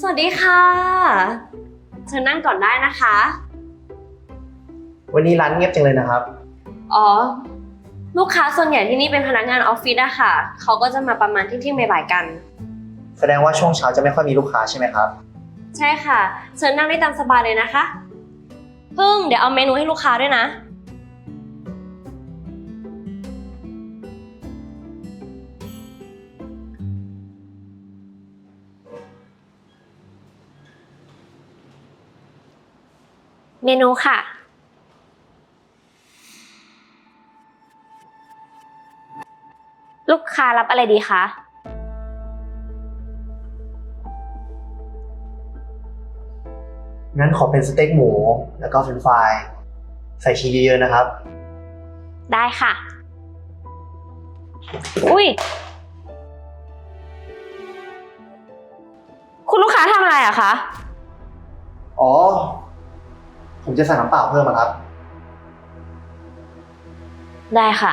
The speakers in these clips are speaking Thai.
สวัสดีค่ะเชิญนั่งก่อนได้นะคะวันนี้ร้านเงียบจังเลยนะครับอ๋อ ลูกค้าส่วนใหญ่ที่นี่เป็นพนักงานออฟฟิศอะค่ะ เขาก็จะมาประมาณเที่ยงบ่ายๆกันแสดงว่าช่วงเช้าจะไม่ค่อยมีลูกค้าใช่ไหมครับใช่ค่ะ เชิญนั่งได้ตามสบายเลยนะคะพึ่งเดี๋ยวเอาเมนูให้ลูกค้าด้วยนะ เมนูค่ะ ลูกค้ารับอะไรดีคะงั้นขอเป็นสเต็กหมูแล้วก็เฟรนช์ฟรายใส่ชีสเยอะๆนะครับได้ค่ะ อุ้ย คุณลูกค้าทำอะไรอะคะอ๋อ ผมจะสั่งน้ำเปล่าเพิ่มครับได้ค่ะ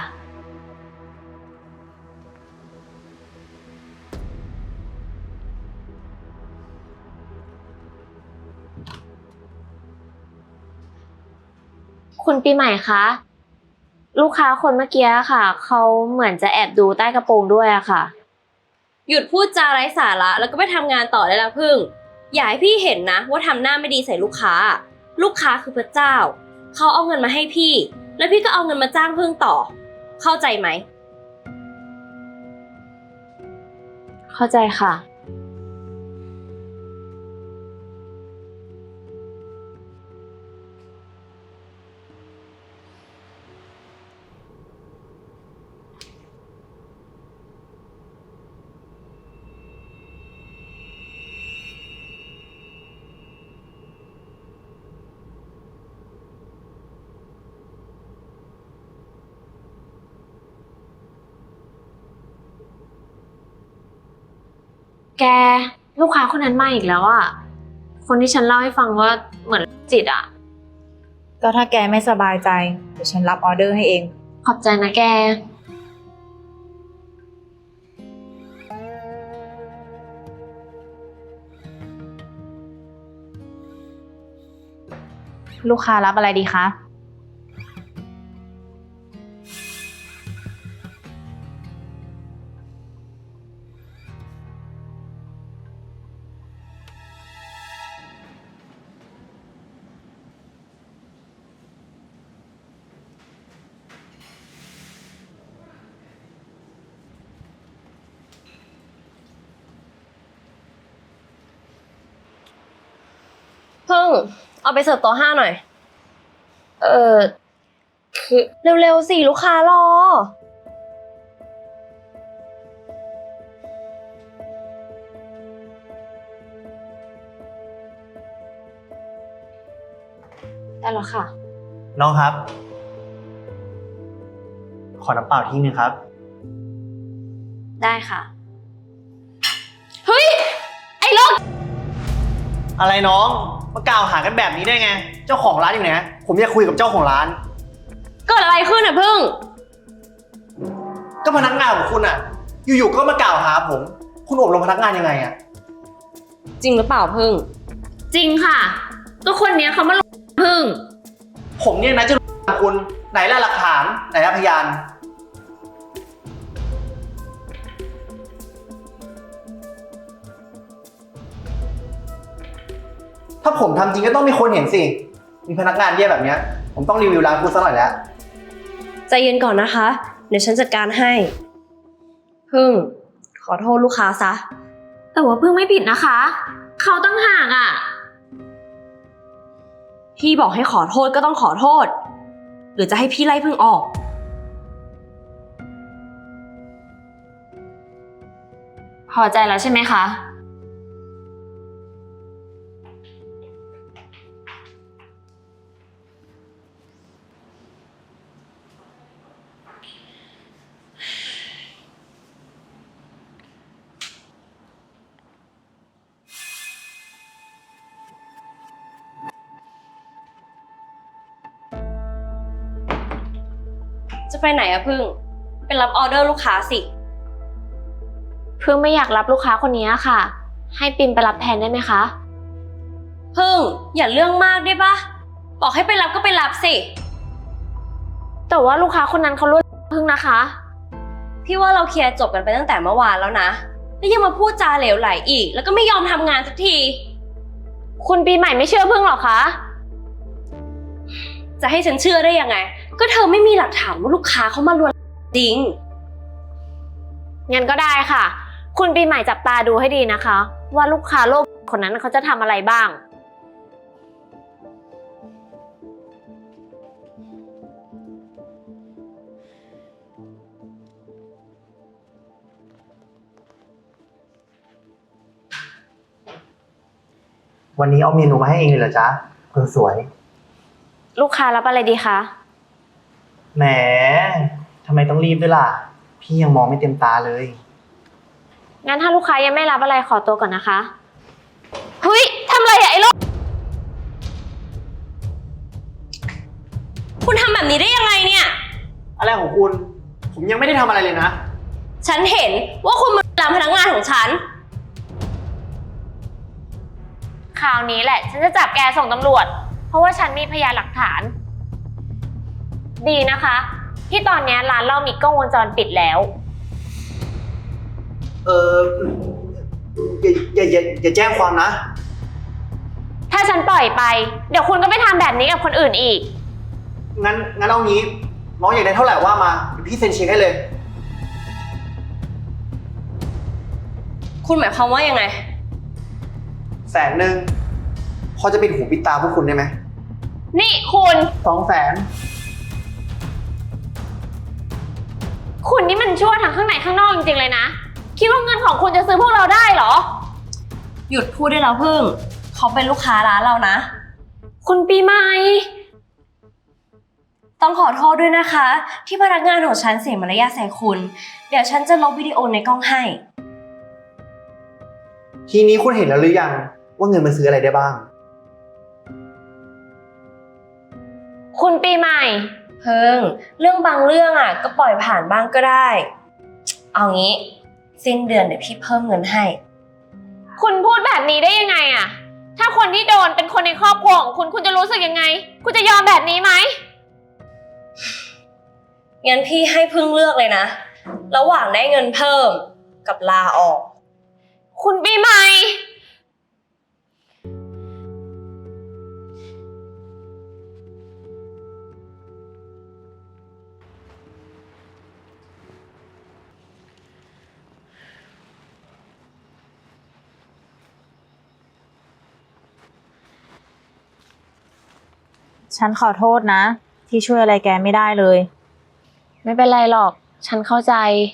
คุณปีใหม่คะ ลูกค้าคนเมื่อกี้ค่ะ เขาเหมือนจะแอบดูใต้กระโปรงด้วยอะค่ะ หยุดพูดจาไร้สาระแล้วก็ไปทำงานต่อได้แล้วพึ่ง อย่าให้พี่เห็นนะว่าทำหน้าไม่ดีใส่ลูกค้า ลูกค้าคือพระเจ้า เขาเอาเงินมาให้พี่ แล้วพี่ก็เอาเงินมาจ้างพึ่งต่อ เข้าใจไหม เข้าใจค่ะ แกลูกค้าคนนั้นมาอีกแล้วอะคนที่ฉันเล่าให้ฟังว่าเหมือนจิตอะก็ถ้าแกไม่สบายใจเดี๋ยวฉันรับออเดอร์ให้เองขอบใจนะแกลูกค้ารับอะไรดีคะพึ่งเอาไปเสิร์ฟโต๊ะ5หน่อย คือเร็วๆสิลูกค้ารอ ได้แล้วค่ะน้องครับ ขอน้ำเปล่าที่นึงครับได้ค่ะ เฮ้ย ไอ้โรคอะไรน้อง มากล่าวหากันแบบนี้ได้ไง เจ้าของร้านอยู่ไหน ผมอยากคุยกับเจ้าของร้านเกิดอะไรขึ้นอ่ะพึ่งก็พนักงานของคุณอ่ะ อยู่ๆก็มากล่าวหาผม คุณอบรมพนักงานยังไงอ่ะจริงหรือเปล่าพึ่ง จริงค่ะ ก็คนเนี้ยเขามาหลอกพึ่งผมเนี่ยนะจะรู้คุณไหนล่ะหลักฐานไหนล่ะพยาน ถ้าผมทำจริงก็ต้องมีคนเห็นสิ มีพนักงานแย่แบบเนี้ย ผมต้องรีวิวร้านคุณสักหน่อยแล้วใจเย็นก่อนนะคะ เดี๋ยวฉันจัดการให้ พึ่ง ขอโทษลูกค้าซะ แต่ว่าพึ่งไม่ผิดนะคะ เขาตั้งห่างอ่ะ พี่บอกให้ขอโทษก็ต้องขอโทษ หรือจะให้พี่ไล่พึ่งออก พอใจแล้วใช่ไหมคะ จะไปไหนอะพึ่ง เป็นรับออเดอร์ลูกค้าสิ พึ่งไม่อยากรับลูกค้าคนนี้ค่ะให้ปิมไปรับแทนได้ไหมคะพึ่งอย่าเรื่องมากได้ปะบอกให้ไปรับก็ไปรับสิแต่ว่าลูกค้าคนนั้นเขาลวดพึ่งนะคะ พี่ว่าเราเคลียร์จบกันไปตั้งแต่เมื่อวานแล้วนะแล้วยังมาพูดจาเหลวไหลอีก แล้วก็ไม่ยอมทำงานสักที คุณปีใหม่ไม่เชื่อพึ่งหรอคะจะให้ฉันเชื่อได้ยังไงก็เธอไม่มีหลักฐานว่าลูกค้าเขามาลวนจริงงั้นก็ได้ค่ะคุณปีใหม่จับตาดูให้ดีนะคะว่าลูกค้าโลกคนนั้นเขาจะทำอะไรบ้างวันนี้เอาเมนูมาให้เองเลยเหรอจ๊ะคนสวยลูกค้ารับอะไรดีคะแหมทำไมต้องรีบด้วยล่ะ พี่ยังมองไม่เต็มตาเลยงั้นถ้าลูกค้ายังไม่รับอะไรขอตัวก่อนนะคะเฮ้ยทำอะไรอะไอ้โลกคุณทำแบบนี้ได้ยังไงเนี่ยอะไรของคุณ ผมยังไม่ได้ทำอะไรเลยนะฉันเห็นว่าคุณมาลามพนักงานของฉันคราวนี้แหละฉันจะจับแกส่งตำรวจเพราะว่าฉันมีพยานหลักฐาน ดีนะคะที่ตอนนี้ร้านเรามีกล้องวงจรปิดแล้วอย่าแจ้งความนะถ้าฉันปล่อยไปเดี๋ยวคุณก็ไปทำแบบนี้กับคนอื่นอีกงั้นเอางี้ น้องอยากได้เท่าไหร่ว่ามาเดี๋ยวพี่เซ็นเช็คให้เลยคุณหมายความว่ายังไง 100,000พอจะปิดหูปิดตาพวกคุณได้ไหมนี่คุณ 200,000 คุณนี่มันชั่วทั้งข้างในข้างนอกจริงๆเลยนะคิดว่าเงินของคุณจะซื้อพวกเราได้เหรอหยุดพูดได้แล้วพึ่งเขาเป็นลูกค้าร้านเรานะคุณปีใหม่ต้องขอโทษด้วยนะคะ ที่พนักงานของฉันเสียมารยาทใส่คุณเดี๋ยวฉันจะลบวิดีโอในกล้องให้ทีนี้คุณเห็นแล้วหรือยังว่าเงินมันซื้ออะไรได้บ้างคุณปีใหม่เพิ่งเรื่องบางเรื่องก็ปล่อยผ่านบ้างก็ได้เอางี้สิ้นเดือนเดี๋ยวพี่เพิ่มเงินให้คุณพูดแบบนี้ได้ยังไงถ้าคนที่โดนเป็นคนในครอบครัวของคุณจะรู้สึกยังไงคุณจะยอมแบบนี้ไหมงั้นพี่ให้พึ่งเลือกเลยนะระหว่างได้เงินเพิ่มกับลาออกคุณปีใหม่ฉันขอโทษนะ ที่ช่วยอะไรแกไม่ได้เลยไม่เป็นไรหรอกฉันเข้าใจ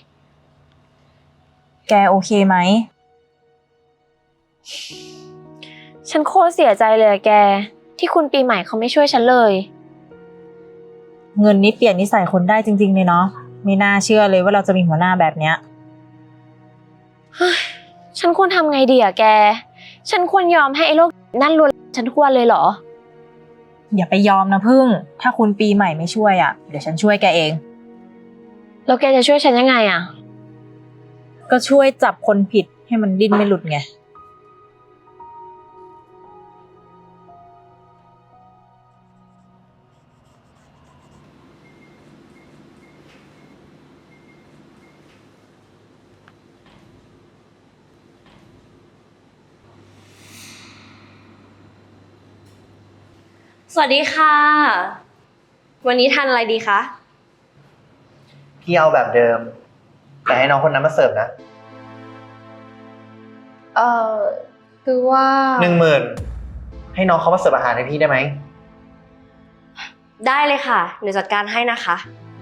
แกโอเคไหมฉันโคตรเสียใจเลยแกที่คุณปีใหม่เขาไม่ช่วยฉันเลยเงินนี้เปลี่ยนนิสัยคนได้จริงๆเลยเนาะไม่น่าเชื่อเลยว่าเราจะมีหัวหน้าแบบเนี้ยฉันควรทำไงดีแกฉันควรยอมให้ไอ้โลกนั่นลวนฉันทุกวันเลยเหรออย่าไปยอมนะพึ่ง ถ้าคุณปีใหม่ไม่ช่วยเดี๋ยวฉันช่วยแกเองแล้วแกจะช่วยฉันยังไงก็ช่วยจับคนผิดให้มันดิ้นไม่หลุดไงสวัสดีค่ะวันนี้ทานอะไรดีคะพี่เอาแบบเดิม แต่ให้น้องคนนั้นมาเสิร์ฟนะคือว่า 10,000ให้น้องเขามาเสิร์ฟอาหารให้พี่ได้ไหมได้เลยค่ะเดี๋ยวจัดการให้นะคะ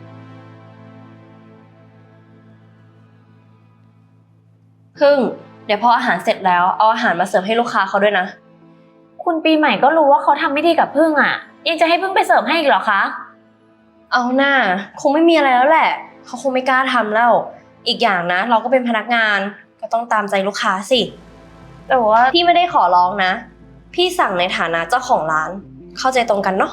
พึ่งเดี๋ยวพออาหารเสร็จแล้วเอาอาหารมาเสิร์ฟให้ลูกค้าเขาด้วยนะคุณปีใหม่ก็รู้ว่าเขาทำไม่ดีกับพึ่งยังจะให้พึ่งไปเสิร์ฟให้อีกเหรอคะเอาหน้าคงไม่มีอะไรแล้วแหละเขาคงไม่กล้าทำแล้วอีกอย่างนะเราก็เป็นพนักงานก็ต้องตามใจลูกค้าสิแต่ว่าพี่ไม่ได้ขอร้องนะพี่สั่งในฐานะเจ้าของร้านเข้าใจตรงกันเนาะ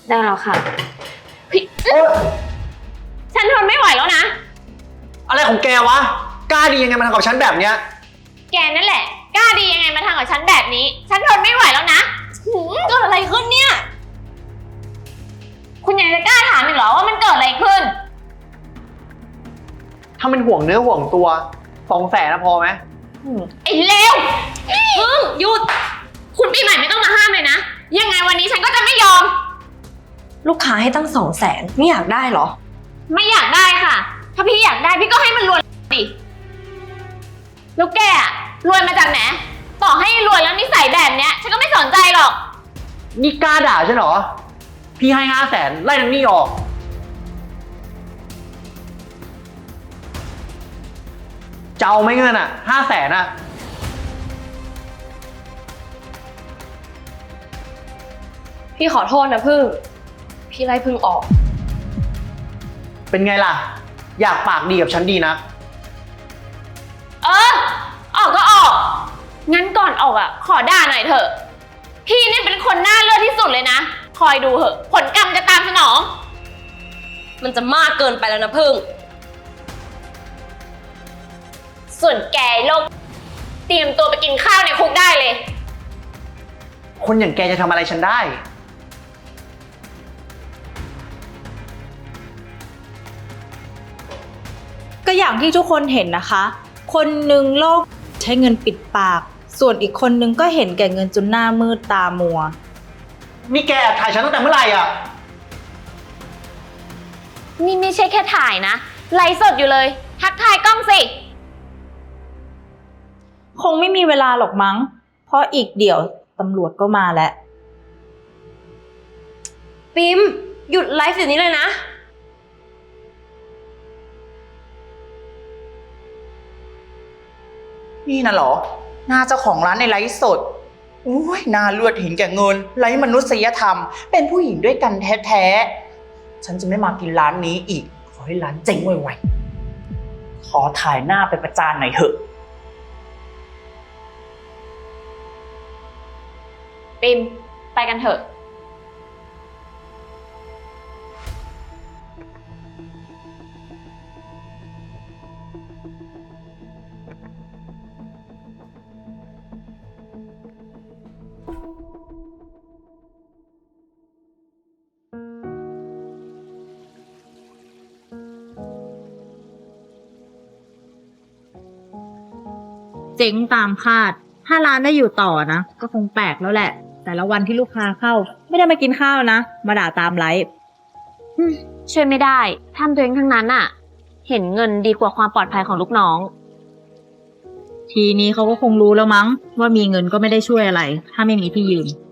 ได้แล้วค่ะพี่โอ๊ยฉันทนไม่ไหวแล้วนะอะไรของแกวะ กล้าดียังไงมาทำกับฉันแบบเนี้ยแกนั่นแหละ กล้าดียังไงมาทำกับฉันแบบนี้ ฉันทนไม่ไหวแล้วนะเกิดอะไรขึ้นเนี่ย คุณยังจะกล้าถามอีกเหรอว่ามันเกิดอะไรขึ้นถ้ามันห่วงเนื้อห่วงตัว200,000นะพอไหมไอ้เลวหยุด คุณปีใหม่ไม่ต้องมาห้ามเลยนะ ยังไงวันนี้ฉันก็จะไม่ยอมลูกค้าให้ตั้ง200,000ไม่อยากได้เหรอไม่อยากได้ค่ะ ถ้าพี่อยากได้พี่ก็ให้มันรวยสิแล้วแกอะรวยมาจากไหน ต่อให้รวยแล้วนิสัยแบบเนี้ยฉันก็ไม่สนใจหรอกนี่กล้าด่าฉันเหรอ พี่ให้500,000ไล่ทั้งหนี้ออก จะเอาไหม่เงินอ่ะ500,000อ่ะพี่ขอโทษนะพึ่ง พี่ไล่พึ่งออกเป็นไงล่ะ อยากปากดีกับฉันดีนะเออ ออกก็ออก งั้นก่อนออกอ่ะ ขอด่าหน่อยเถอะ พี่นี่เป็นคนหน้าเลือดที่สุดเลยนะ คอยดูเถอะ ผลกรรมจะตามสนองมันจะมากเกินไปแล้วนะพึ่งส่วนแกโลกเตรียมตัวไปกินข้าวในคุกได้เลยคนอย่างแกจะทำอะไรฉันได้ก็อย่างที่ทุกคนเห็นนะคะ คนหนึ่งโลกใช้เงินปิดปาก ส่วนอีกคนนึงก็เห็นแก่เงินจนหน้ามืดตามัวนี่แกแอบถ่ายฉันตั้งแต่เมื่อไหร่อ่ะนี่ไม่ใช่แค่ถ่ายนะ ไลฟ์สดอยู่เลย ทักทายกล้องสิคงไม่มีเวลาหรอกมั้ง เพราะอีกเดี๋ยวตำรวจก็มาแล้วปิมหยุดไลฟ์เดี๋ยวนี้เลยนะนี่นะเหรอ หน้าเจ้าของร้านในไลฟ์สดอุ้ยหน้าเลือดเห็นแก่เงินไร้มนุษยธรรม เป็นผู้หญิงด้วยกันแท้ๆ ฉันจะไม่มากินร้านนี้อีก ขอให้ร้านเจ๊งไวๆ ขอถ่ายหน้าไปประจานหน่อยเถอะปิมไปกันเถอะเจ๊งตามคาด ถ้าร้านได้อยู่ต่อนะ ก็คงแปลกแล้วแหละ แต่ละวันที่ลูกค้าเข้า ไม่ได้มากินข้าวนะ มาด่าตามไลฟ์ช่วยไม่ได้ทำตัวเองทั้งนั้นอะเห็นเงินดีกว่าความปลอดภัยของลูกน้องทีนี้เขาก็คงรู้แล้วมั้ง ว่ามีเงินก็ไม่ได้ช่วยอะไร ถ้าไม่มีที่ยืน